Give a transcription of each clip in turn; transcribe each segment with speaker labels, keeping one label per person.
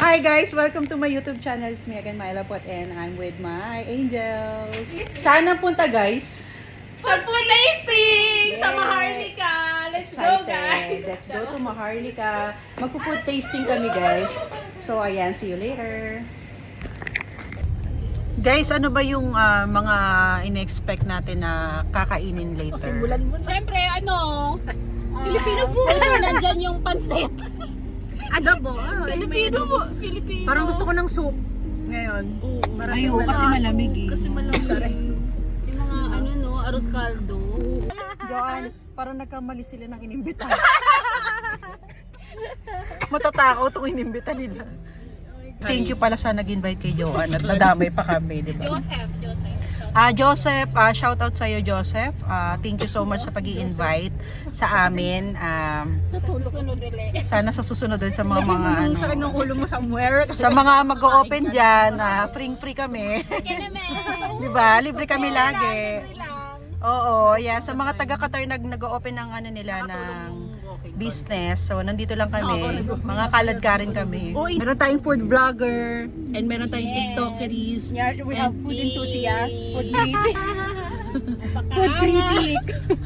Speaker 1: Hi guys! Welcome to my YouTube channel. It's me again, Myla Pot, and I'm with my angels. Saan ang punta guys?
Speaker 2: Sa food tasting! Sa
Speaker 1: Yeah.
Speaker 2: Maharlika! Let's go guys!
Speaker 1: Let's go to Maharlika. Magpo-food tasting kami guys. So ayan, see you later. Guys, ano ba yung mga in-expect natin na kakainin later?
Speaker 2: Siyempre, Filipino food! Kasi nandyan yung pansit.
Speaker 3: Adobo.
Speaker 2: Filipino po. Filipino.
Speaker 3: Parang gusto ko ng soup ngayon.
Speaker 1: Ayun, kasi malamig eh.
Speaker 2: Kasi malamig. Yung mga arroz caldo.
Speaker 1: Joan, parang nagkamali sila ng inimbita. Matatakaw itong inimbita nila. Thank you pala sa nag-invite kay Joan at nadamay pa kami, di ba?
Speaker 2: Joseph.
Speaker 1: Joseph, shout out sa iyo Joseph. Thank you so much sa pag-i-invite sa amin.
Speaker 2: Sa susunod ulit.
Speaker 1: Sana sa susunod din sa mga
Speaker 3: Sa ng ulo mo somewhere.
Speaker 1: sa mga mag-o-open diyan, free kami.
Speaker 2: Kaya naman.
Speaker 1: 'Di ba? Libre kami lagi.
Speaker 2: Libre lang.
Speaker 1: Oo, yeah, sa mga taga-Qatar nag-o-open ng nila ng business. So nandito lang kami. Mga kalad ka rin kami. Meron tayong food vlogger and meron tayong TikTokeries.
Speaker 3: Yeah, we have food enthusiast, food critic. Food critic.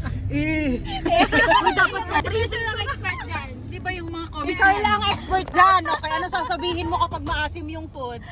Speaker 2: Dapat producer ang expert dyan.
Speaker 1: Di ba yung mga
Speaker 3: Si Carla ang expert dyan. Okay, ano sasabihin mo kapag maasim yung food?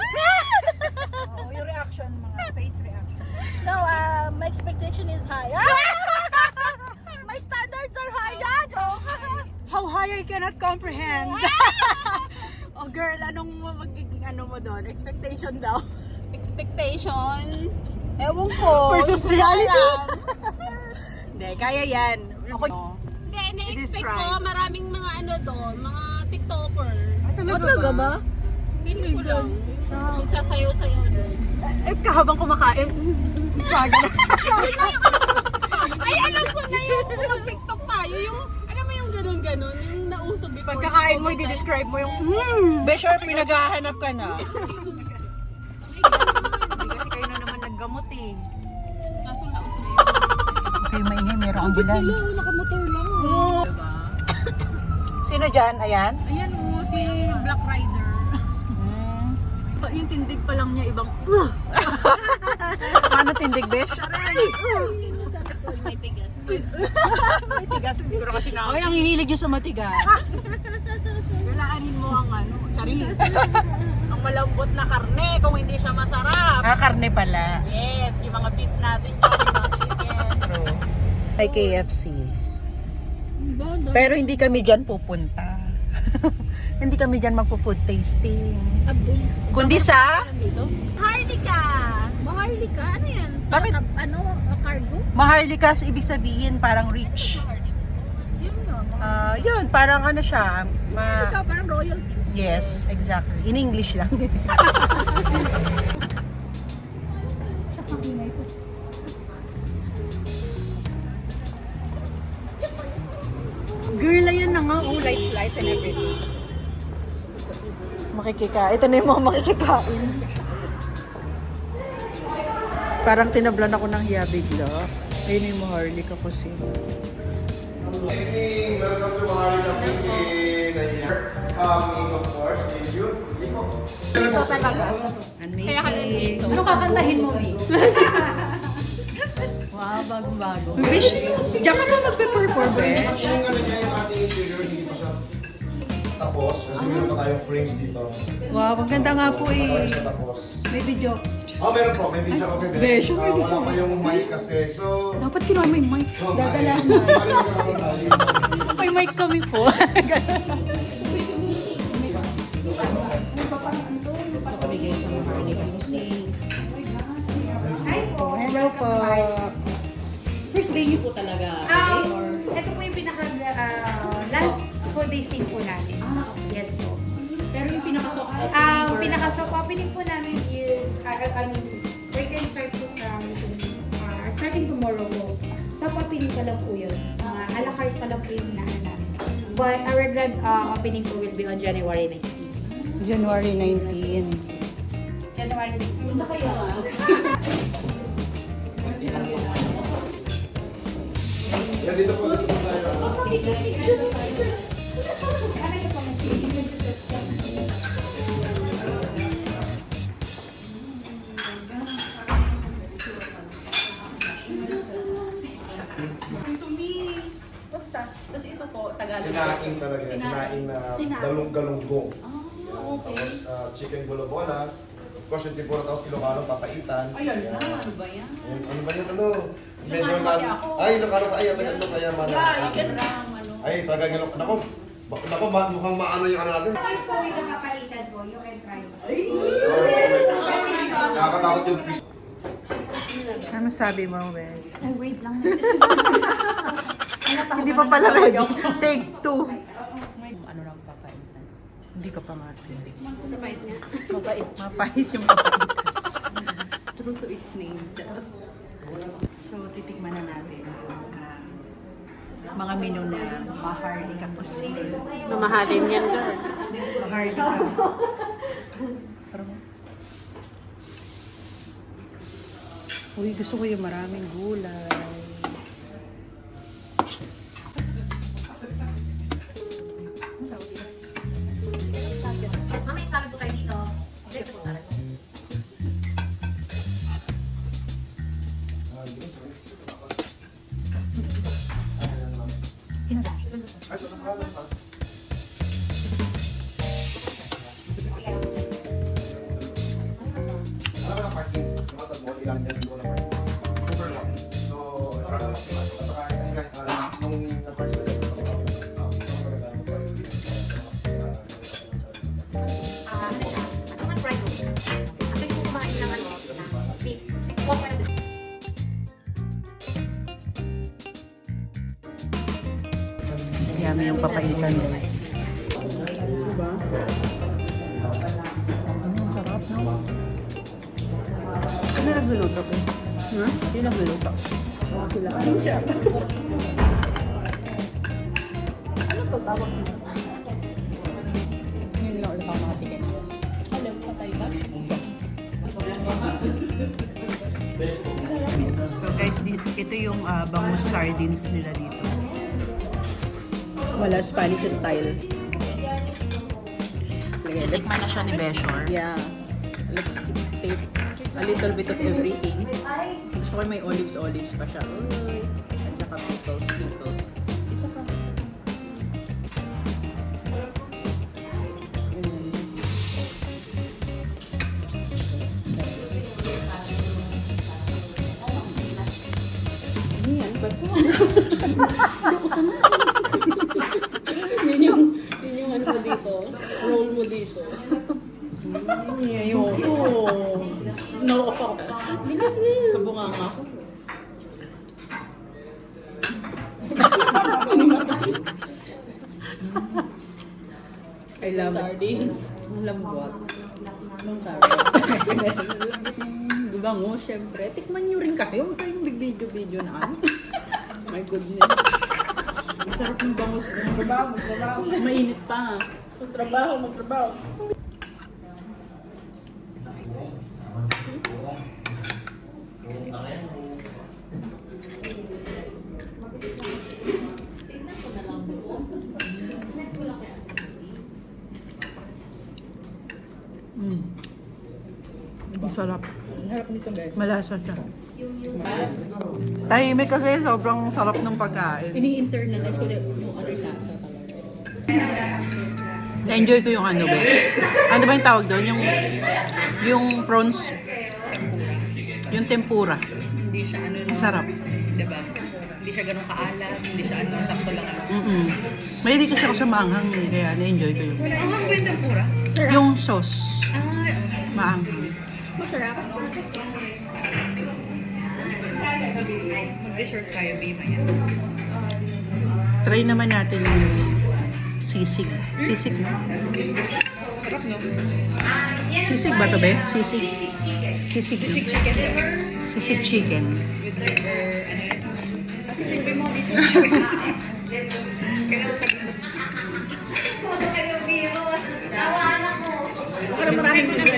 Speaker 1: yung reaction, mga face reaction.
Speaker 3: No, my expectation is high. My standards are high, joke. How high I cannot comprehend. Oh girl, anong magiging mo doon? Expectation daw.
Speaker 2: Expectation. Ewan ko.
Speaker 3: Versus reality. Hindi, kaya yan. Ako,
Speaker 2: Hindi, na-expect
Speaker 3: I-describe.
Speaker 2: ko maraming mga doon, mga TikToker.
Speaker 3: talaga ba?
Speaker 2: Feeling ko lang. Magsasayaw-sayaw doon.
Speaker 3: Kahabang kumakain.
Speaker 2: Ay, alam ko na yung mag-TikTok tayo. Yung, alam mo yung ganun-ganun, yung nauso before.
Speaker 3: Pagkakain mo, i-describe mo yung
Speaker 1: Besure, pinaghahanap ka na.
Speaker 3: kasi kayo na naman naggamot eh.
Speaker 2: Kaso nauso yun.
Speaker 1: Okay, maingay, merong ambulance.
Speaker 3: Nakamotor lang. Diba?
Speaker 1: Sino dyan? Ayan?
Speaker 3: Ayan o, si Black Rider. Yung tindig pa lang niya ibang
Speaker 1: Paano tindig, Besh?
Speaker 2: May tigas.
Speaker 3: May tigas, hindi ko na kasi
Speaker 1: Ay, ang hihilig yung sa matigas.
Speaker 3: Lalaanin mo ang charis. Ang malambot na karne kung hindi siya masarap.
Speaker 1: Karne pala.
Speaker 3: Yes, yung mga beef natin dyan, yung mga chicken.
Speaker 1: True. Ay, KFC. Pero hindi kami dyan pupunta. Hindi kami dyan magpo-food tasting. Kundi sa
Speaker 2: Maharlika! Maharlika? Ano yan?
Speaker 1: Bakit?
Speaker 2: Cargo?
Speaker 1: Maharlika, ibig sabihin parang rich.
Speaker 3: Yun nga.
Speaker 1: Yun, parang ano siya.
Speaker 2: Parang royalty.
Speaker 1: Yes, exactly. In English lang.
Speaker 3: Girl, ayan na nga. Oh, lights and everything.
Speaker 1: Makikikain. Ito na yung mga makikikain. Parang tinablan ako ng hiya bigla. Ayun yung Maharlika kasi.
Speaker 4: Good evening, welcome to Maharlika Cuisine. Coming, of course, with you.
Speaker 2: Ito talaga.
Speaker 1: Amazing.
Speaker 2: Kaya ka nandito.
Speaker 3: Ano kakantahin mo, Mi? Wow, bago-bago.
Speaker 1: Bish, diyan ka ba magpe-perform eh?
Speaker 4: Yung ano niya, yung ating interior, hindi pa siya tapos. Kasi meron pa tayong frames dito.
Speaker 1: Wow, maganda nga po
Speaker 4: Hindi pa
Speaker 1: eh.
Speaker 4: siya tapos.
Speaker 1: May video.
Speaker 4: Meron po. May video kami.
Speaker 1: Besh, may video.
Speaker 4: Wala pa yung mic kasi. So,
Speaker 1: Dapat kinuha mo yung mic.
Speaker 2: Dadala.
Speaker 1: May mic kami po. Kami guys sa Maharlika Music. Hello po.
Speaker 3: First day niyo po talaga?
Speaker 5: Ito po yung pinaka last full tasting po natin. Yes po.
Speaker 3: Pero yung pinaka-soft
Speaker 5: Pinaka-soft opening po namin is, we can start po from starting tomorrow po. Soft opening pa lang po yun. A la carte pa lang po yung hinahan namin. But our grand opening po will be on January 19.
Speaker 1: January 19.
Speaker 5: January 19. Punta kayo
Speaker 4: yan dito po tayo. talaga yan, sinaing na galunggong. Tapos chicken bolobola. Of course, yung tempura, tapos Ilocano, papaitan.
Speaker 1: Ayun na, ano ba yan?
Speaker 4: Ano ba yan, ano? Medyo na... Ay, Ilocano ka, ay, ano kaya man. Ay, talagang Ilocano. Nako, mukhang maano yung ano natin.
Speaker 5: Guys po, may nakapalitan po. You can try.
Speaker 4: Nakakatakot yung fish.
Speaker 1: Ano sabi mo, Be?
Speaker 5: Ay, wait lang.
Speaker 1: Hindi pa pala ready. Take 2.
Speaker 2: Ano lang papaitan?
Speaker 1: Hindi ka pa nga.
Speaker 5: Mabait nga.
Speaker 1: Mapahit yung papait.
Speaker 2: True to its name.
Speaker 1: So, titikman na natin yung mga menu na Maharlika Cuisine.
Speaker 2: Mamahalin yan, girl.
Speaker 1: Maharlika. Uy, gusto ko yung maraming gulay.
Speaker 6: Mamaya salad po tayo dito. Next po salad.
Speaker 4: Alam mo na parking, yung sa mall, ilang yan yung na parking. Super long. So, nung na-first na yun,
Speaker 6: Asuman fried rice. Ang pwede po kumain ng ano, ng beef. Huwag mo na gusto.
Speaker 1: Yummy yung papaitan, guys.
Speaker 2: Diba?
Speaker 1: Sarap, no? Ano nagluluto ko?
Speaker 2: Ha?
Speaker 1: Hindi nagluluto.
Speaker 2: Ano siya? Ano to tawag mo? Yun lang ulit ako makatikin. Alam, patay ka?
Speaker 1: So guys, ito yung bangus sardines nila dito.
Speaker 2: Wala Spanish style.
Speaker 1: Tikman na siya ni Beshor.
Speaker 2: Yeah. Let's take a little bit of everything. Gusto ko may olives pa siya. Uy. At saka pickles. Isa pa. Ano yan? Ba't ko? Hindi ko sanay. Yun yung ano mo dito. Roll mo dito.
Speaker 1: Ayoko. No, ako.
Speaker 2: Bilis na yun. Sa bunganga ko. I love sardines. Ang lambot. Ang sardines. Gubango, syempre. Tikman nyo rin kasi. Huwag kayong big-video na ano. My goodness. Ang sarap ng bangus. Magtrabaho. Mainit pa. Magtrabaho.
Speaker 1: Ang sarap.
Speaker 2: Ang harap nito, guys.
Speaker 1: Malasa siya. Tahimik kasi sobrang sarap ng pagkain.
Speaker 2: Ini-internalize ko yung ano lasa talaga.
Speaker 1: Na-enjoy ko yung ano, be. Ano ba yung tawag doon? Yung prawns. Yung tempura.
Speaker 2: Hindi siya ano.
Speaker 1: Ang sarap.
Speaker 2: Diba? Hindi siya ganun kaalat. Hindi siya ano. Sakto lang ano.
Speaker 1: Mahilig kasi ako sa maanghang, kaya na-enjoy ko yun.
Speaker 2: Ang hanggang yung tempura.
Speaker 1: Yung sauce,
Speaker 2: Ah,
Speaker 1: maanghang.
Speaker 2: masarap. Mag-dessert tayo, babe. Ayan.
Speaker 1: Try naman natin yung sisig. Sisig, no?
Speaker 2: Sarap, no?
Speaker 1: Sisig ba to, be? Sisig. Sisig, no?
Speaker 2: Sisig chicken.
Speaker 1: Sisig chicken.
Speaker 2: With liver, ano yun? Sisig ba mo dito? Kailangan sa ganda. Baka na maraming dessert.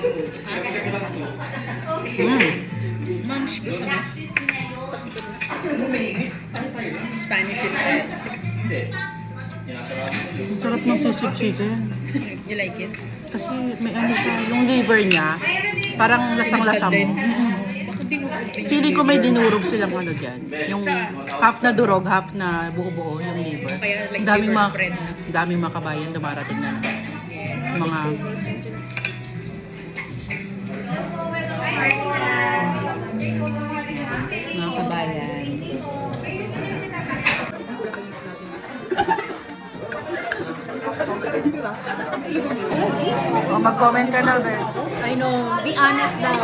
Speaker 2: Moms, gusto mo? Spanish style.
Speaker 1: Ang sarap ng sisig chicken.
Speaker 2: You like it?
Speaker 1: Kasi may ano siya, yung liver niya, parang lasang-lasa mo.
Speaker 2: Bakit di mo?
Speaker 1: Feeling ko may dinurog silang ano dyan. Yung half na durog, half na buo-buo yung liver.
Speaker 2: Kaya like
Speaker 1: Ang daming
Speaker 2: liver
Speaker 1: mga,
Speaker 2: spread na.
Speaker 1: daming mga kabayan dumarating na mga kabayan. O, mag-comment ka na, be.
Speaker 3: I know, be honest daw.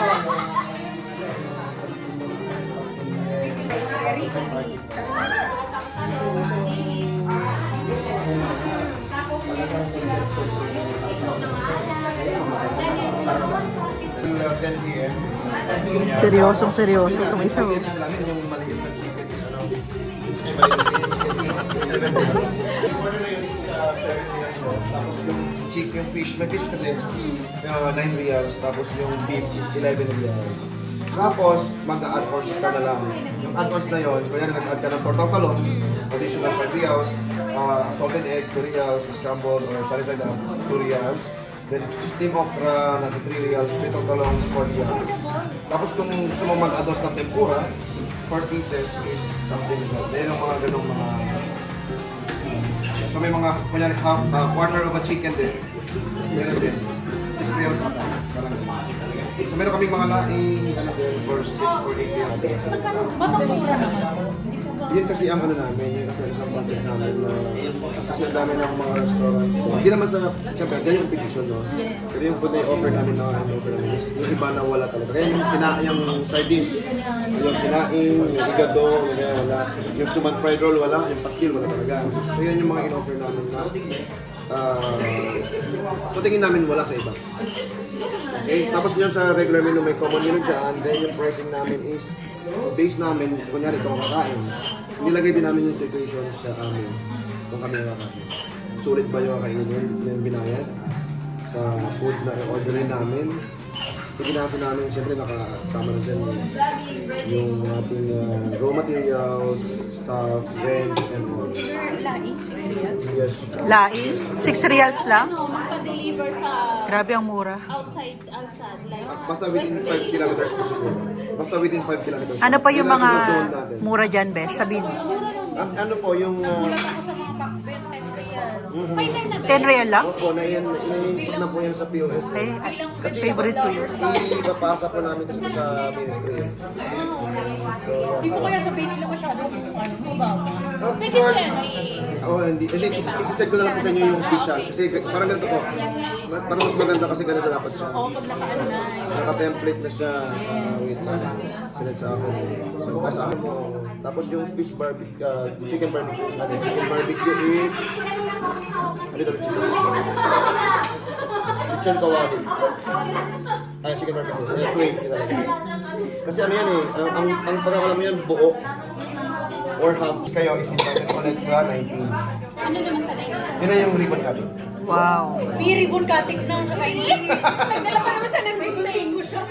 Speaker 4: Yung 10 p.m.
Speaker 1: Seryosong seryoso itong isa.
Speaker 4: Yung sa namin, yung maliit na chicken is ano, chicken maliit is 7 reals. Yung order na yun is 7 reals. Tapos yung chicken, fish, may fish kasi 9 reals. Tapos yung beef is 11 reals. Tapos, mag-add-ons ka na lang. Yung add-ons na yun, kaya nag-add ka ng portang talong, additional 5 reals, salted egg, 2 reals, scrambled or salted egg, 2 reals. Then, steam okra, nasa 3 reals, pitong talong, 4 reals. Tapos kung gusto mo mag-add-ons ng tempura, 4 pieces is something like that. Yan yung mga ganong mga... So may mga, kunyari, quarter of a chicken din. Meron din. 6 reals ata. Parang ganun. So meron kaming mga laing ano din for 6 or 8 reals. Yun kasi ang ano namin, yun kasi isang concept namin na kasi ang dami ng mga restaurants. Hindi naman sa, siyempre, dyan yung competition, no? Pero yung food na i-offer namin is yung iba na wala talaga. Kaya yung side dish, yung sinaing, yung igado, yung wala. Yung suman fried roll, wala. Yung pastil, wala talaga. So yun yung mga in-offer namin na so tingin namin wala sa iba. Okay, tapos yun sa regular menu may common menu dyan, then yung pricing namin is base namin, kunyari itong kakain, nilagay din namin yung situation sa amin kung kami nakakain. Sulit ba yung kakainin yung binayad sa food na i-orderin namin. Pagkinasa namin, siyempre nakasama na dyan yung ating raw materials, stuff, rent, and all. Yes.
Speaker 1: Lais? 6 reals lang?
Speaker 5: Magpa-deliver sa
Speaker 1: Grabe ang mura.
Speaker 5: outside, like,
Speaker 4: Basta within 5 kilometers po siguro. Basta within 5 kilometers.
Speaker 1: Ano pa yung mga
Speaker 4: Yung zone natin.
Speaker 1: mura dyan, be? Sabihin.
Speaker 4: Ano po yung...
Speaker 1: 10 real lang?
Speaker 4: Opo, na-input na po yan sa POS.
Speaker 1: Eh, favorite ko yun.
Speaker 4: Ipapasa po namin kasi sa ministry. So,
Speaker 3: Hindi mo kaya sabihin nila masyado kung ano, mababa.
Speaker 5: pwede ko yan, may
Speaker 4: hindi. Isisend ko na lang po sa inyo yung official. Kasi parang ganito po. Parang mas maganda kasi ganito dapat siya.
Speaker 3: Oo, pag nakaano na.
Speaker 4: Naka-template na siya. Wait lang. Sinad sa akin. So, sa akin po. Tapos yung fish barbecue, chicken barbecue. Chicken barbecue is... Ano ito? Chicken kawali. Chicken barbecue. Wait. Kasi ano yan eh. Ang pagkakalam mo yan, buo. Or half. Kayo is entitled ulit sa 19.
Speaker 5: ano naman sa line.
Speaker 4: Yun na yung ribbon cutting.
Speaker 1: Wow.
Speaker 3: May ribbon cutting na sa kainin.
Speaker 5: Nagdala pa naman siya ng bigtay.
Speaker 3: Ko siya.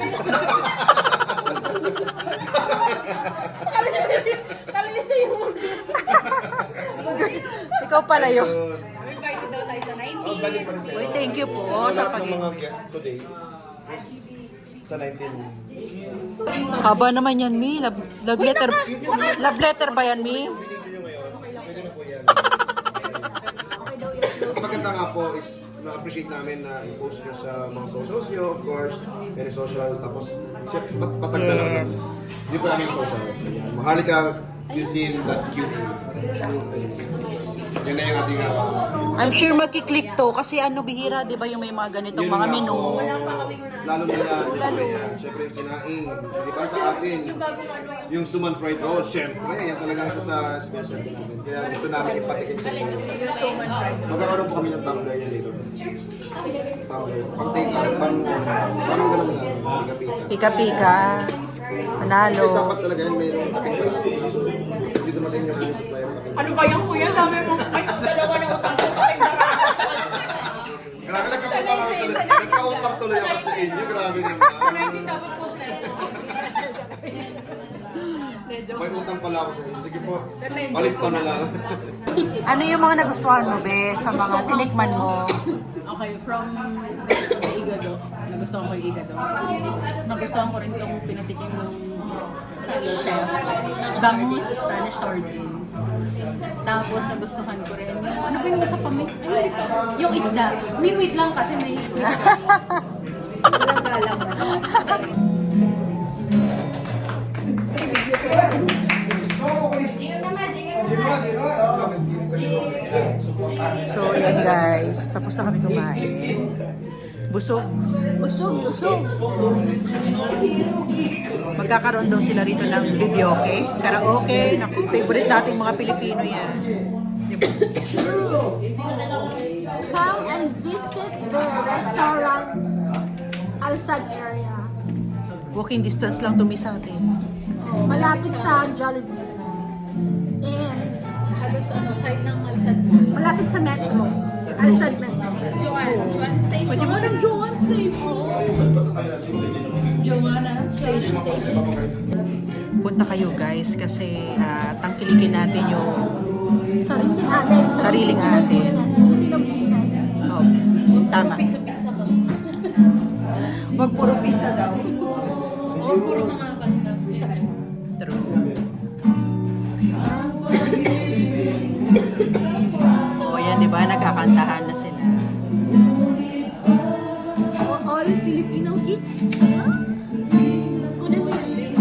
Speaker 5: Kala niya siya yung
Speaker 1: Ikaw pala yun.
Speaker 3: Invited daw tayo sa 19.
Speaker 4: Budget pa rin tayo.
Speaker 1: Uy, thank you po
Speaker 4: So,
Speaker 1: sa
Speaker 4: lahat ng mga
Speaker 1: pag-invite.
Speaker 4: guests today is sa 19.
Speaker 1: Haba naman yan, Mi. Love letter ba yan, Mi?
Speaker 4: Pwede na po yan. Mas maganda nga po is na-appreciate namin na i-post nyo sa mga socials nyo, of course, very social, tapos patag na lang.
Speaker 1: Yes.
Speaker 4: Hindi po namin socials. Ayan. Mahalika.cuisine.qt. Yun na yung ating
Speaker 1: I'm sure magkiklik to kasi ano bihira, di ba yung may mga ganitong
Speaker 4: yun
Speaker 1: mga
Speaker 4: nga
Speaker 1: menu.
Speaker 4: po. Lalo na yan. Siyempre yung sinaing. Di ba sa atin, yung suman fried roll, siyempre, yan talaga isa sa specialty namin. Kaya gusto namin ipatikim sa inyo. Magkakaroon po kami ng tumbler yan later. Tumbler. Pang take out, parang ganun na. Pika-pika.
Speaker 1: Pika-pika.
Speaker 4: Kasi
Speaker 1: Manalo.
Speaker 4: dapat talaga yan, mayroong takip parati. Kaso, hindi dumating yung aming supplier ng takip.
Speaker 3: Ano ba yan, kuya? Sabi mo, ay, dalawa na utang ko tayo.
Speaker 4: Grabe, nagkautang tuloy ako sa inyo. Grabe naman.
Speaker 3: Hindi dapat po.
Speaker 4: May utang pala ako sa inyo. Sige po, palista na lang.
Speaker 1: Ano yung mga nagustuhan mo, be, sa mga tinikman mo?
Speaker 2: Okay, from the igado. Nagustuhan ko yung iga doon. Nagustuhan ko rin itong pinatikim ng Spanish chef. Bangus Spanish sardines. Tapos nagustuhan ko rin yung, ano ba yung nasa kami? Ano dito? Yung isda. May wait lang kasi may squeeze kami. Walang galang mo.
Speaker 1: So, yan guys. Tapos na kami kumain. Busog.
Speaker 3: Busog.
Speaker 1: Magkakaroon daw sila rito ng videoke, karaoke. Naku, favorite nating mga Pilipino yan.
Speaker 3: Come and visit the restaurant Alsad area.
Speaker 1: Walking distance lang tumi sa atin.
Speaker 3: Malapit sa Jollibee. And
Speaker 2: Sa halos side ng Alsad.
Speaker 3: malapit sa Metro. Alsad Metro.
Speaker 6: Joanne Station.
Speaker 1: Pwede mo ng Joanne Station. Joanna Station. Punta kayo guys kasi tangkilikin natin yung
Speaker 3: Sariling atin.
Speaker 1: Sariling atin.
Speaker 3: Business. Filipino business.
Speaker 1: oh, tama.
Speaker 2: Pizza-pizza ka.
Speaker 1: Wag puro pizza daw.
Speaker 2: O, puro mga pasta.
Speaker 1: True. Oh, yan 'di ba? Nagkakantahan na sila.
Speaker 3: All Filipino hits. Kunin mo yan, babe.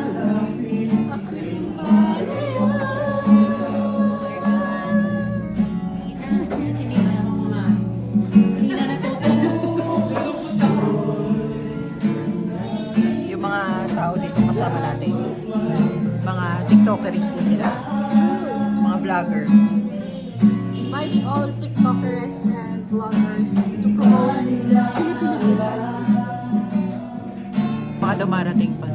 Speaker 1: Yung mga tao dito kasama natin. Mga TikTokers din sila. Mga vlogger.
Speaker 3: Inviting all TikTokers and vloggers to promote Filipino business.
Speaker 1: Baka dumarating pa.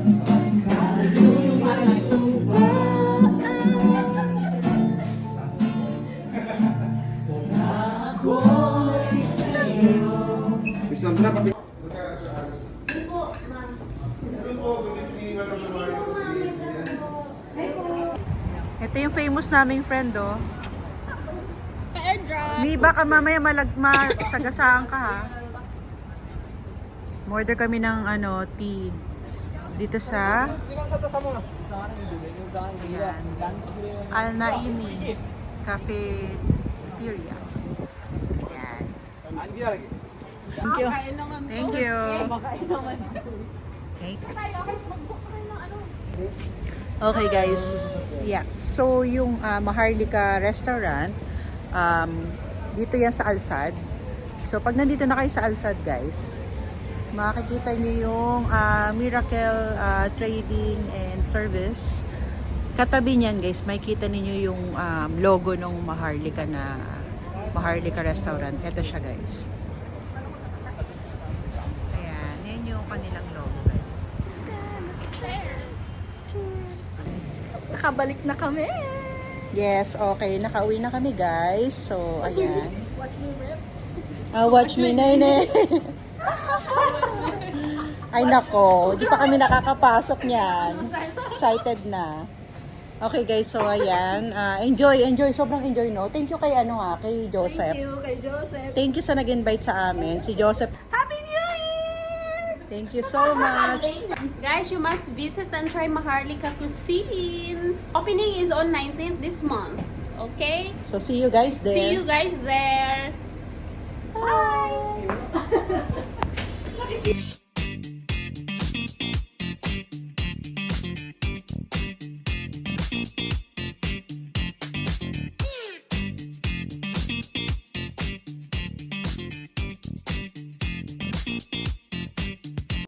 Speaker 4: Miss Sandra, papi.
Speaker 1: Ito yung famous naming friend, oh.
Speaker 3: Airdrop.
Speaker 1: Mi, baka mamaya sagasaan ka, ha? Order kami ng tea. Dito sa ayan, Al Naimi Cafeteria. Ayan. Thank you. Thank you. Okay guys. Yeah. So yung Maharlika restaurant, dito yan sa Alsad. So pag nandito na kayo sa Alsad guys, makikita nyo yung Miracle Trading and Service. Katabi niyan guys, makikita niyo yung logo ng Maharlika restaurant. Ito siya guys. Ayan, yan yung kanilang logo guys.
Speaker 3: Nakabalik na kami.
Speaker 1: Yes, okay. Nakauwi na kami guys. So, ayan.
Speaker 3: Watch me rip.
Speaker 1: Watch me, nene. Ay nako, di pa kami nakakapasok niyan. Excited na. Okay guys, so ayan. Enjoy. Sobrang enjoy, no? Thank you kay kay Joseph.
Speaker 3: Thank you kay Joseph.
Speaker 1: Thank you sa nag-invite sa amin. Si Joseph.
Speaker 3: Happy New Year!
Speaker 1: Thank you so much.
Speaker 7: Guys, you must visit and try Maharlika cuisine. Opening is on 19th this month. Okay?
Speaker 1: So see you guys there.
Speaker 7: See you guys there. Bye!